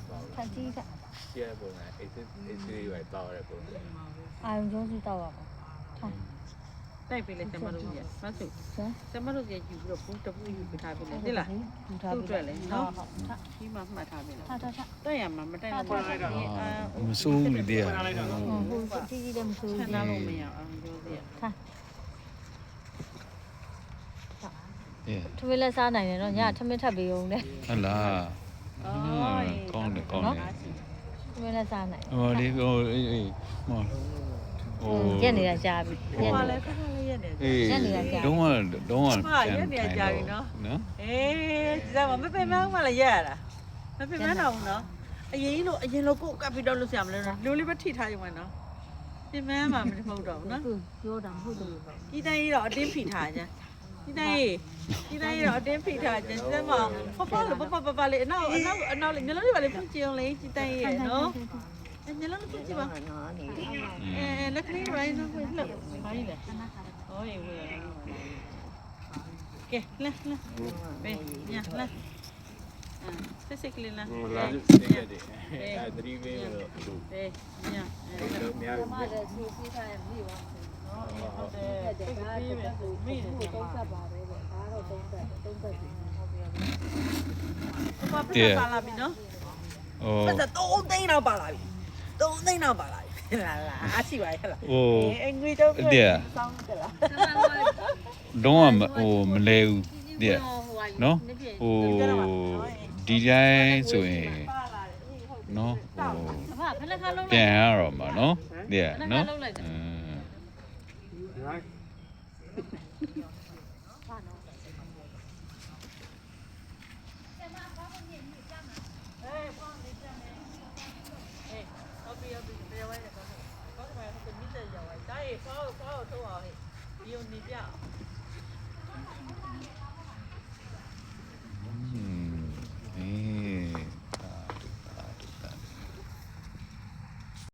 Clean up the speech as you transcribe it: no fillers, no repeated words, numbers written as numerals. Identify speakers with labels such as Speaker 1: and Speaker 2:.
Speaker 1: ထက်ကြီးက
Speaker 2: ရှေ့ပုံကအေးလေးပဲတောက်ရပုံ
Speaker 1: အာရုံကျုံးစီတောက်ရပါထား
Speaker 3: တိုက်ပေးလိုက်ကျမတို့ကြီးမဆုကျမတို့ကြီးယူပြီးတော့ဘူးတပူယူပေးထားပေးလိုက်တိလား
Speaker 1: ယူထား
Speaker 3: သူ့
Speaker 1: ပြီ
Speaker 3: အတွက်လေနော်
Speaker 1: ဟုတ်ထား
Speaker 3: ဒီမှာမှတ်ထားပေးလား
Speaker 1: ထားထား
Speaker 3: တိုက်ရမှာမတိုက်ဘူး
Speaker 4: မစိုးဘူးလေတဲ့
Speaker 1: ဟိုကြီးကြီးလည်းမဆိုး
Speaker 3: ဆ
Speaker 1: ဘူး
Speaker 3: န္ဒလို့မရအောင်ပြောစီ
Speaker 1: ထား
Speaker 4: တဲ့
Speaker 1: ထမင်းလက်စားနိုင်တယ်နော်ညထမင်းထပ်ပေးအောင်လေ
Speaker 4: ဟုတ်လားကောင်းတယ်ကောင်းတယ်
Speaker 1: ထမင်းလက်စားနိုင်
Speaker 4: ဟိုလေးဟိုအေးဟောဟို
Speaker 1: ရက်နေတာကြားပြီ
Speaker 3: ဟိုကလည်းခါခါလေးရက်နေ
Speaker 4: အေးတော့ရက်နေကြပြီနော်
Speaker 3: အေးကျမမပဲမအောင်မလားရက်ရတာမပဲမတော့ဘူးနော်အရင်လို့ကိုကပ်ပြီးတော့လို့ဆရာမလို့လူလေးပဲထိထားရုံပဲနော်ပြင်မမှာမဟုတ်တော့ဘူးနော်
Speaker 1: ပြောတာမဟုတ်တယ်
Speaker 3: ဒီတိုင်းကြီးတော့အတင်းဖိထားကြဒီတိုင်းကြီးတော့အတင်းဖိထားကြစက်မဖဖလို့ပလေးအနောက်လေးမျိုးလုံးလေးပါလေဖွင့်ကြည့်အောင်လေဒီတိုင်းကြီးရနော်အဲမျိုးလုံးဖွင့်ကြည့်ပါလက်ကလေးရိုင်းနော်ဖွင့်လို့ဘာကြီးလဲဟောရေဝေးကဲလာဘေးညာလာစစ်ကလေးလာ
Speaker 2: လာစစ်ရတယ်အဲသတိပေးလို့
Speaker 3: ဘေးညာ
Speaker 2: တော့များပြီ
Speaker 1: မလည်းသူစီးထားရမိပါ
Speaker 3: ဟုတ်တယ်တိတ်ပြီးပဲမိတယ်ကျမ
Speaker 1: သုံးသက်ပါတယ်တဲ့ဒါတော့သုံးသက်ပြီ
Speaker 3: ဘာဖြစ်ပါလာပြီနော်
Speaker 4: ဟို
Speaker 3: ပတ်သက်3သိန်းတော့ပါလာပြီ3သိန်းတော့ပါလာပြီလာအားရှိပါရဲ့လား
Speaker 4: ဟို
Speaker 3: ငွေတော့စောင်းတယ်လား
Speaker 4: တော့ဟိုမလဲဘူးတဲ့နော်ဟိုဒီတိုင်းဆိုရင်နော်ဟို
Speaker 1: ဘာဖလက်ခါလုံး
Speaker 4: ပြန်ရတော့မှာနော်တဲ့နော်
Speaker 3: ဟုတ်ပြီတရားဝဲတော့ဘာမှမဟုတ်ဘူးမြစ်တဲ့ရောက်သွားတာဖောက်ထုတ်အောင်ဟဲ့ဒီုံနေပြ